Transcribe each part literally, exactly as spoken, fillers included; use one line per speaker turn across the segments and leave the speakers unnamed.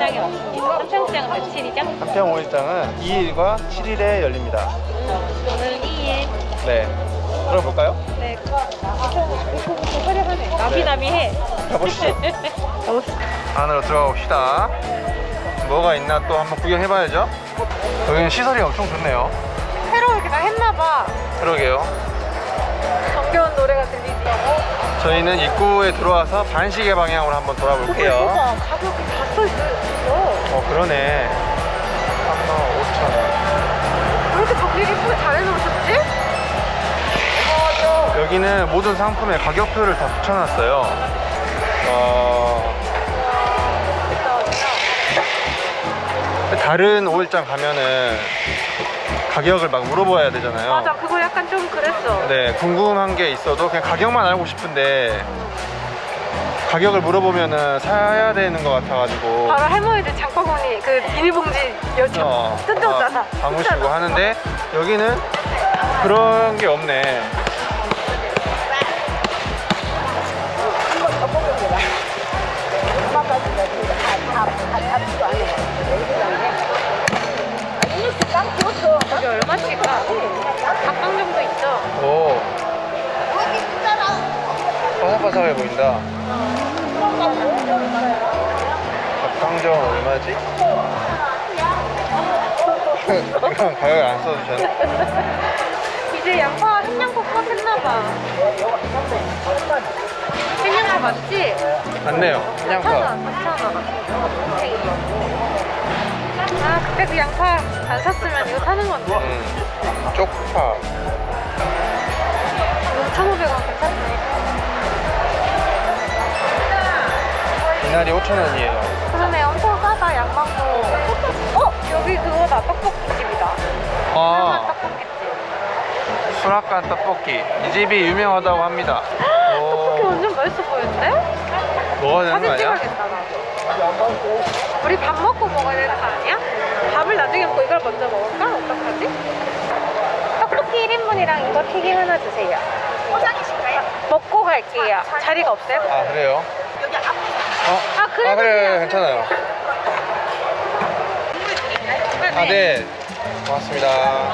오일장이 없습니다. 한평시장은 며칠이죠?
한평 오일장은 이 일과 칠 일에 열립니다.
오늘 이 일.
네. 들어볼까요?
네. 나비나비해.
가보시죠. 안으로 들어가 봅시다. 뭐가 있나 또 한번 구경해봐야죠. 여기는 시설이 엄청 좋네요.
새로 이렇게 다 했나봐.
그러게요.
정겨운 노래가 들리지.
저희는 입구에 들어와서 반시계 방향으로 한번 돌아볼게요.
가격이 다 써있어요.
어, 그러네. 삼만 오천 원.
왜 이렇게 정리 예쁘게 잘 해놓으셨지?
여기는 모든 상품의 가격표를 다 붙여놨어요. 어... 다른 오일장 가면은 가격을 막 물어봐야 되잖아요.
맞아, 그거 약간 좀 그랬어.
네, 궁금한 게 있어도 그냥 가격만 알고 싶은데 가격을 물어보면은 사야 되는 것 같아가지고
바로 할머니들 장바구니 그 비닐봉지 여쭤
어,
뜯어오잖아.
아, 담으시고 하는데 여기는 그런 게 없네. 여기 얼마씩일까? 각방 정도 있죠? 오, 바삭바삭해 보인다. 닭강정 얼마지? 이건 가격을 안 써주셨네.
이제 양파, 흰양파 컷했나봐. 흰양파 맞지?
맞네요.
사천
양파.
원, 사천 원. 아, 그때 그 양파 안 샀으면 이거 사는 건데.
음, 쪽파.
오천오백 원 괜찮네.
이날이 오천 원이에요.
그러네, 엄청 싸다, 양망고. 어? 여기 그거다, 떡볶이 집이다.
아,
떡볶이집.
수락관 떡볶이. 이 집이 유명하다고 합니다.
떡볶이
오,
완전 맛있어 보이는데?
먹어야 되는 거
사진
아니야?
찍어야겠다, 나도. 우리 밥 먹고 먹어야 되는 거 아니야? 밥을 나중에 먹고 이걸 먼저 먹을까? 어떡하지? 떡볶이 일 인분이랑 이거 튀김 하나 주세요. 포장이실까요? 먹고 갈게요. 자리가 없어요?
아, 그래요?
여기 앞에.
어?
아, 그래도
아, 그래,
돼요.
괜찮아요. 아, 네. 고맙습니다.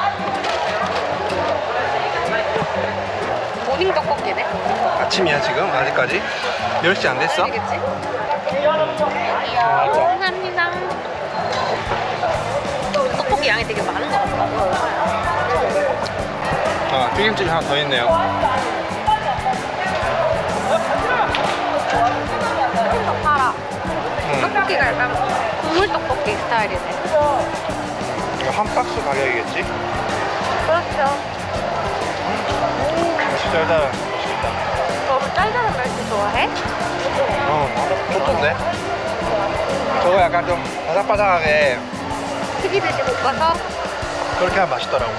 모닝 떡볶이네.
아침이야, 지금? 아직까지? 열 시 안 됐어?
알겠지? 감사합니다. 떡볶이 양이 되게 많은 것 같다.
아, 튀김집이 하나 더 있네요.
팔아.
음,
떡볶이가 약간 국물 떡볶이 스타일이네.
이거 한 박스 가격이겠지?
그렇죠.
진짜 일단 맛있겠다.
너무 짤짤한 멸치 좋아해?
어, 좋던데? 저거 약간 좀 바삭바삭하게
튀기듯이 볶아서?
그렇게 하면 맛있더라고.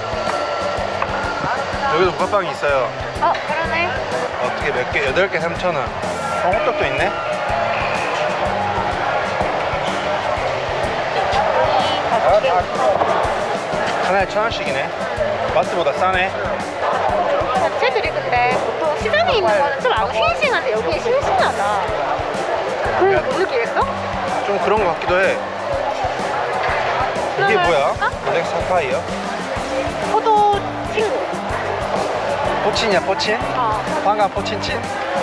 여기도 붕어빵이 있어요.
어, 그러네.
어떻게 몇 개? 여덟 개 삼천 원. 어, 호떡도 있네? 하나에 천 원씩이네. 마트보다 싸네.
자체들이 근데 보통 시장에 있는 거는 좀 안 싱싱한데 여기 싱싱하다. 그걸 못 느끼겠어?
좀 그런 것 같기도 해. 이게
그러면
뭐야?
어?
블랙 사파이어?
포도 친구.
포친이야, 포친?
어.
황금 포친친?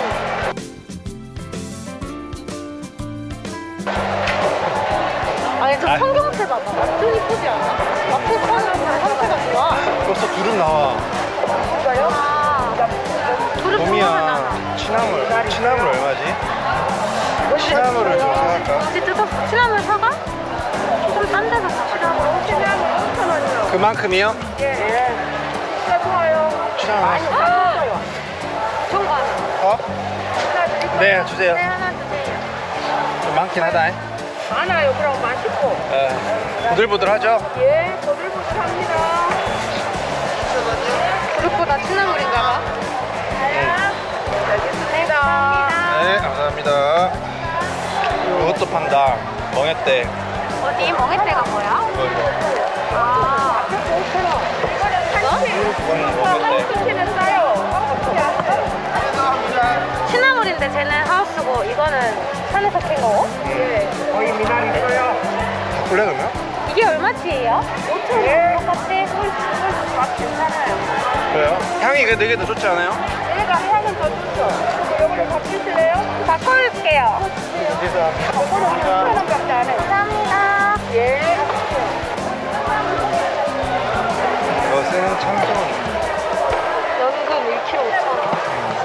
아니 저
아.
청경채 봐봐. 완전 이쁘지 않아? 앞에 파는 형태가 좋아.
벌써 두릅 나와.
이거요? 아. 두릅 좋아하잖아.
봄이야. 취나물. 취나물 얼마지? 취나물을 좀 사갈까?
어제 뜯었어. 취나물 사가? 좀 딴 데서 사. 취나물 오천 원이요.
그만큼이요?
예. 좋아요.
취나물.
아! 좋은 거 하나.
어? 네, 주세요.
네, 하나 주세요.
좀 많긴 하다.
많아요. 그럼 맛있고.
예. 부들부들하죠?
예, 보들보들합니다. 그릇보다 취나물인가 봐. 알겠습니다.
네, 감사합니다. 이것도 판다. 멍했대.
어디 멍해대가 뭐야?
이거, 이거.
아,
그건 멍했대.
취나물인데 쟤는 하우스고 이거는 산에서 캔 거고?
음.
거기 미나리 있어요.
그래 그러면?
이게 얼마치예요? 오천 원 똑같이? 맛 괜찮아요.
그래요? 향이 그 되게 더 좋지 않아요?
얘가 향은 더 좋죠. 여기를 바꾸실래요? 바꿔줄게요.
죄송합니다.
오천 원밖에 안 해요. 감사합니다. 예.
이것은 참돔.
연근 일 킬로그램 오천 원.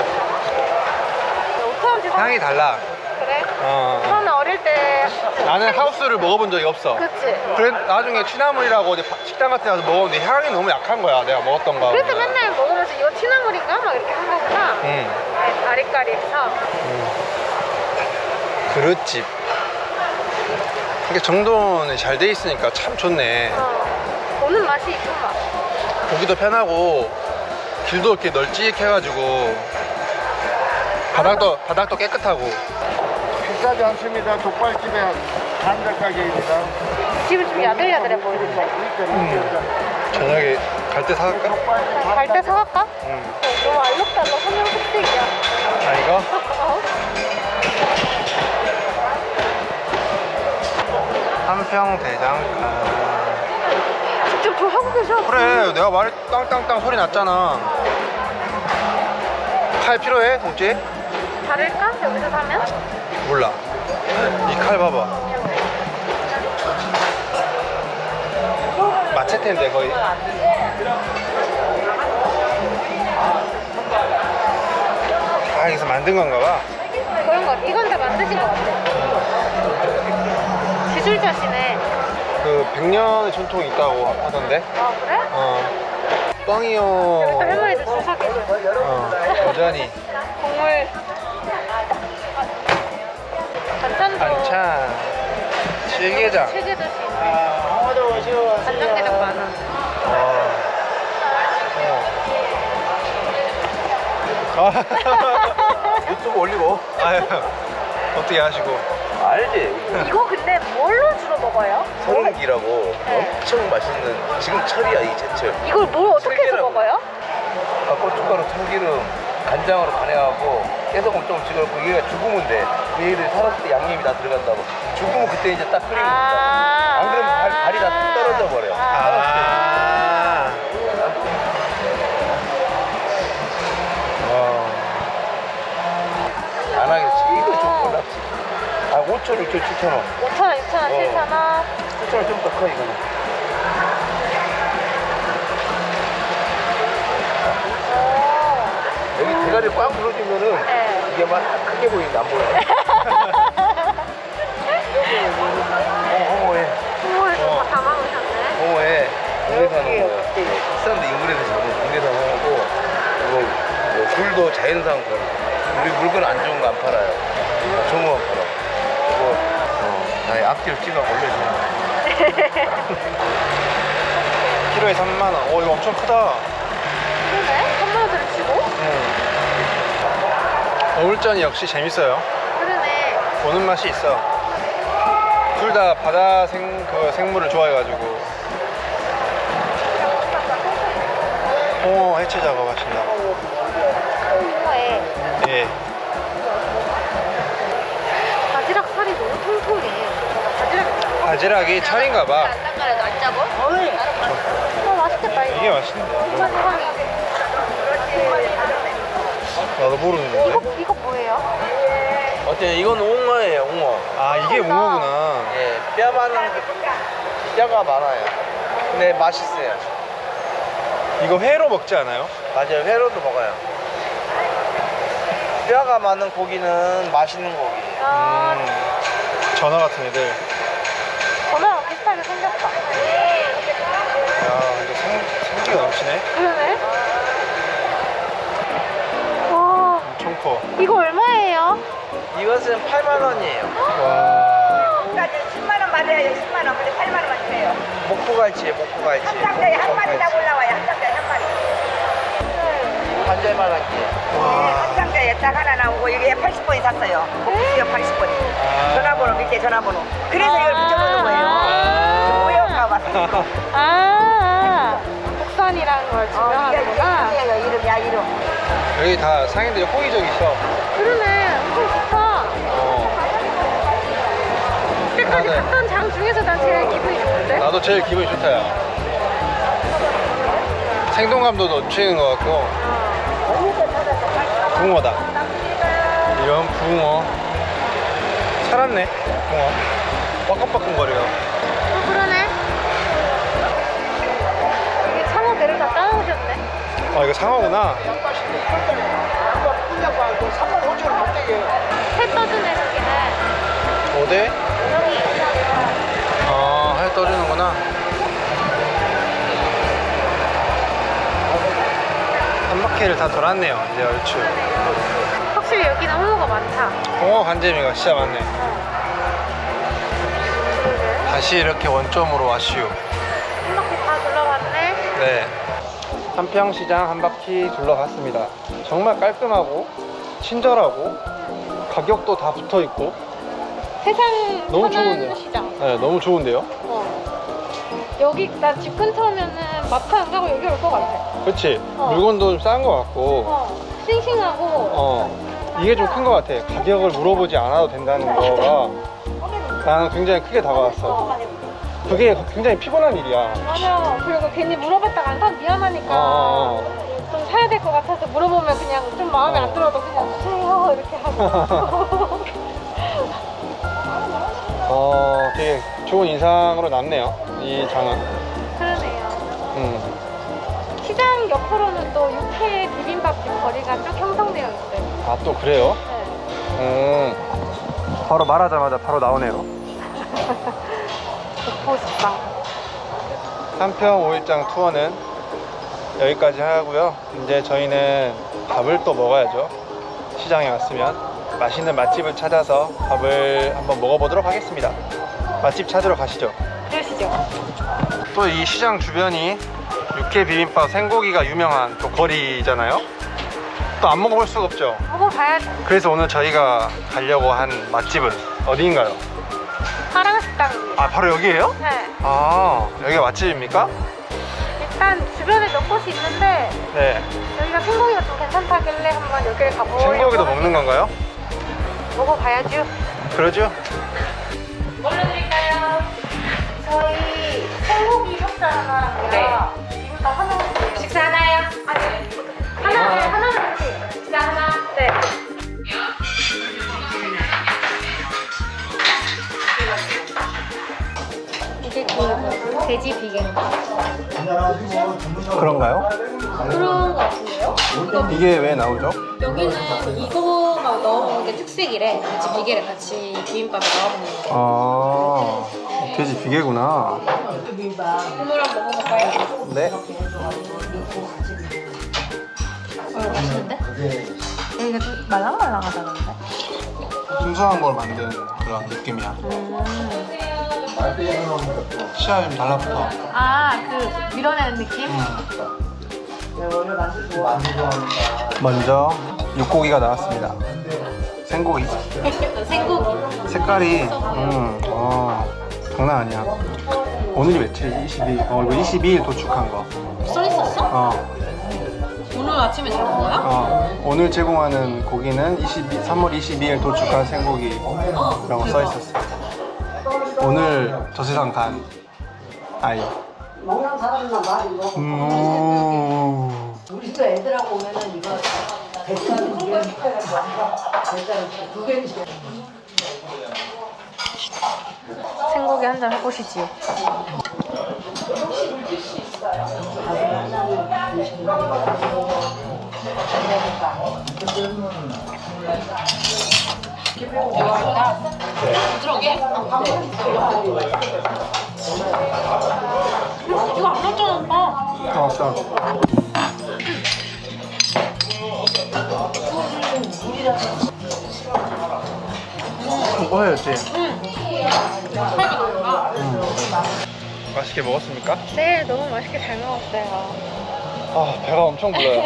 오천 원치 사.
향이 달라.
그래?
어.
저는 어릴 때.
나는 하우스를 먹어본 적이 없어.
그치?
그래 나중에 취나물이라고 어디 바- 식당 같은 데 가서 먹었는데 향이 너무 약한 거야. 내가 먹었던 거.
그래서 맨날 먹으면서 이거 티나물인가? 막 이렇게 한 거구나.
응.
네, 아리까리해서.
그릇집. 이게 정돈이 잘 돼 있으니까 참 좋네.
어. 보는 맛이 이쁜 맛.
보기도 편하고 길도 이렇게 널찍해가지고 바닥도 바닥도 깨끗하고.
비싸지 않습니다. 족발집의 한달 가게입니다.
집은 좀 야들야들해 보이는데.
저녁에 갈 때 사갈까?
갈 때 사갈까?
응.
너무 알록달록 선명 흑색이야.
아 이거?
어?
한평대장간.
직접 저 하고 계셔.
그래 내가 말 땅땅땅 소리 났잖아. 칼 필요해 동지?
다를까? 여기서 사면?
몰라. 이 칼 봐봐. 마체테인데 거의. 아 여기서 만든 건가 봐.
그런 거 같아. 이건 다 만드신 것 같아. 기술자시네.
그 백 년의 전통이 있다고 하던데.
아 그래?
어.
또
뻥이요.
할머니들 줄 서게.
어. 여전히.
국물. 반찬도.
반찬. 칠게장.
세개 줄 수 있네. 간장게장 많아.
어. 어. 유튜브 올리고. 아유. 어떻게 하시고.
알지?
이거 근데 뭘로 주로 먹어요?
서른기라고
네.
엄청 맛있는 지금 철이야 이 제철.
이걸 뭘 어떻게 해서
들기름.
먹어요?
아, 고춧가루, 참기름, 간장으로 간해하고 깨소금 좀 찍어놓고 얘가 죽으면 돼. 얘들 살았을 때 양념이 다 들어간다고. 죽으면 그때 이제 딱 끓이는 거야. 안 그러면 발, 발이 다 떨어져 버려. 살았을 때.
아. 와.
안 하겠지. 이거 좀 골랐지. 아, 오천 원, 육천 원, 칠천 원.
오천 원, 육천 원,
어.
칠천 원.
칠천 원 좀 더 커, 이거는.
오.
여기 대가리 꽉 눌러주면은
네.
이게 막 크게 보이는데 안 보여. 어, 어머해.
국물에서 다 담아오셨네.
어머해. 국내산 거예요. 비싼데 인근에서 잡은 국내산 하고 이거 뭐 굴도 자연산 굴. 우리 물건 안 좋은 거 안 팔아요. 좋은 거만 팔아. 이거 어, 나의 앞뒤로 찍어 올려주는 거.
키로에 삼만 원. 어 이거 엄청 크다.
그러네? 삼만 원짜리 주고?
응. 어울전이 역시 재밌어요.
그러네.
보는 맛이 있어. 둘 다 바다 생, 그 생물을 좋아해가지고. 홍어 해체 작업하신다.
홍어에
예.
바지락 살이 너무 통통해. 바지락
바지락이 철인가봐.
안 닦아도 안 짜고? 어, 맛있겠다 이거.
이게 맛있는데.
바지락이.
나도 모르는데.
이거 이거 뭐예요?
어때요? 이건 옹어예요, 옹어.
아 이게 웅어구나.
예, 뼈 많은 뼈가 많아요. 근데 맛있어요.
이거 회로 먹지 않아요?
맞아요, 회로도 먹어요. 뼈가 많은 고기는 맛있는 고기.
아,
음, 전어 같은 애들.
전화랑 비슷하게 생겼다.
야 이거 생, 생기가 넘치네.
그러네. 와,
엄청 커.
이거 얼마예요?
이것은 팔만 원이에요.
와.
까지 십만 원 받아야 십만 원. 근데 팔만 원만 주세요.
목포갈치에 목포갈치.
한 장짜리 한 마리 딱 올라와요. 한 장짜리 한 마리.
반절만 할게요.
한 장짜리 딱 하나 나오고 이게 팔십 번이 샀어요. 복수요 팔십 번이. 전화번호 밑에 전화번호. 그래서 이걸 붙여놓는 거예요. 모여가 왔어.
아, 국산이라는 걸
어, 이게
증명하는구나.
이름이에요. 이름이야 이름.
여기 다 상인들이 호기적 있어.
그러네. 엄청 좋다.
어.
근데 여기까지
아, 네.
갔던 장 중에서 난 제일 기분이 좋은데?
나도 제일 기분이 좋다, 야. 생동감도 넘치는 것 같고. 붕어다. 이런 붕어. 살았네, 붕어. 빠끔빠끔거려요.
어, 그러네. 이게 상어 배를 다 따라오셨네.
아, 이거 상어구나.
해 떠주네, 저기는.
어디?
여기.
아, 해 떠주는구나. 한 바퀴를 다 돌았네요, 이제 얼추.
확실히 여기는 홍어가 많다.
홍어 간재미가 진짜 많네. 다시 이렇게 원점으로 왔슈.
한 바퀴 다 둘러봤네.
네. 한평시장 한 바퀴 둘러봤습니다. 정말 깔끔하고 친절하고 가격도 다 붙어 있고
세상
너무
편한
좋은데요.
시장.
네, 너무 좋은데요.
어. 여기 나 집 근처면은 마트 안 가고 여기 올 것 같아.
그렇지.
어.
물건도 좀 싼 것 같고
어. 싱싱하고.
어 이게 좀 큰 것 같아. 가격을 물어보지 않아도 된다는 거가 나는 굉장히 크게 다가왔어. 그게 굉장히 피곤한 일이야.
맞아. 그리고 괜히 물어봤다가 안 사면 미안하니까
어, 어.
좀 사야 될 것 같아서 물어보면 그냥 좀 마음에
어.
안 들어도 그냥 주세요 이렇게 하고.
어, 되게 좋은 인상으로 남네요. 이 장은.
그러네요.
음.
시장 옆으로는 또 육회 비빔밥집 거리가 쭉 형성되어 있어요.
아, 또 그래요?
네.
음. 바로 말하자마자 바로 나오네요.
목포식당.
한평 오 일장 투어는 여기까지 하고요. 이제 저희는 밥을 또 먹어야죠. 시장에 왔으면 맛있는 맛집을 찾아서 밥을 한번 먹어보도록 하겠습니다. 맛집 찾으러 가시죠.
그러시죠.
또 이 시장 주변이 육회 비빔밥 생고기가 유명한 또 거리잖아요. 또 안 먹어볼 수가 없죠.
먹어봐야지.
그래서 오늘 저희가 가려고 한 맛집은 어디인가요?
사랑식당입니다.
아, 바로 여기예요?
네.
아, 여기가 맛집입니까?
일단 주변에 몇 곳이 있는데
네.
여기가 생고기가 좀 괜찮다길래 한번 여기를 가보려고.
생고기도 먹는 건가요?
먹어봐야죠.
그러죠?
뭘로 드릴까요? 저희 생고기 족살 하나랑 네. 비빔밥 하나. 식사 하나요? 아, 네. 하나, 네, 하나만 주세요. 식사 하나. 네. 이게 그 돼지 비계인가?
그런가요?
그런 거 같은데요?
이게 왜 나오죠?
여기는 이거가 넣어먹는 게 특색이래. 같이 비계를 같이 비빔밥에 넣어먹는 거.
아, 돼지 비계구나.
국물 한번 먹어볼까요?
네.
어, 맛있는데? 여기가 좀 말랑말랑하다는데?
순수한 걸 만든 그런 느낌이야. 시야에 좀 달라붙어.
아, 그 밀어내는 느낌?
먼저 육고기가 나왔습니다. 생고기.
생고기.
색깔이 음, 어, 장난 아니야. 오늘이 며칠이지? 이십이. 어, 이거 이십이 일 도축한 거.
써있었어?
어,
오늘 아침에 잡은 거야?
어, 오늘 제공하는 고기는 이십이, 삼월 이십이일 도축한 생고기라고 써 있었어. 오늘 저 세상 간 아이. 음.
우리 또 애들하고 오면은 이거 대짜는 두개 대짜는 두 개.
생고기 한 잔 해보시지요. 부드럽게? 이거 안 넣었잖아, 오빠.
나왔다. 먹어야지. 음. 맛있게 먹었습니까?
네, 너무 맛있게 잘 먹었어요.
아, 배가 엄청 불러요.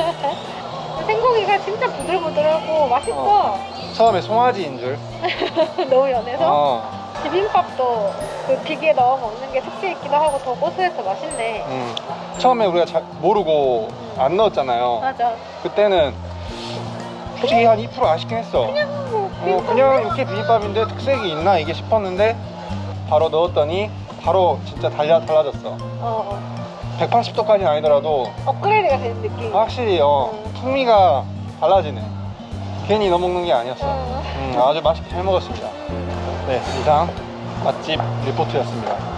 생고기가 진짜 부들부들하고 맛있어.
어. 처음에 송아지인 줄.
너무 연해서.
어.
비빔밥도 그 비계에 넣어 먹는 게 특색 있기도 하고 더 고소해서 맛있네.
음. 처음에 우리가 잘 모르고 안 넣었잖아요.
맞아.
그때는 솔직히 한 이 퍼센트 아쉽긴 했어.
그냥 뭐
어, 그냥 육회 비빔밥인데 특색이 있나 이게 싶었는데 바로 넣었더니 바로 진짜 달라, 달라졌어.
어, 어.
백팔십 도까지는 아니더라도
업그레이드가 되는 느낌.
확실히 어,
음.
풍미가 달라지네. 괜히 넣어 먹는 게 아니었어.
음.
음, 아주 맛있게 잘 먹었습니다. 네, 이상 맛집 리포트였습니다.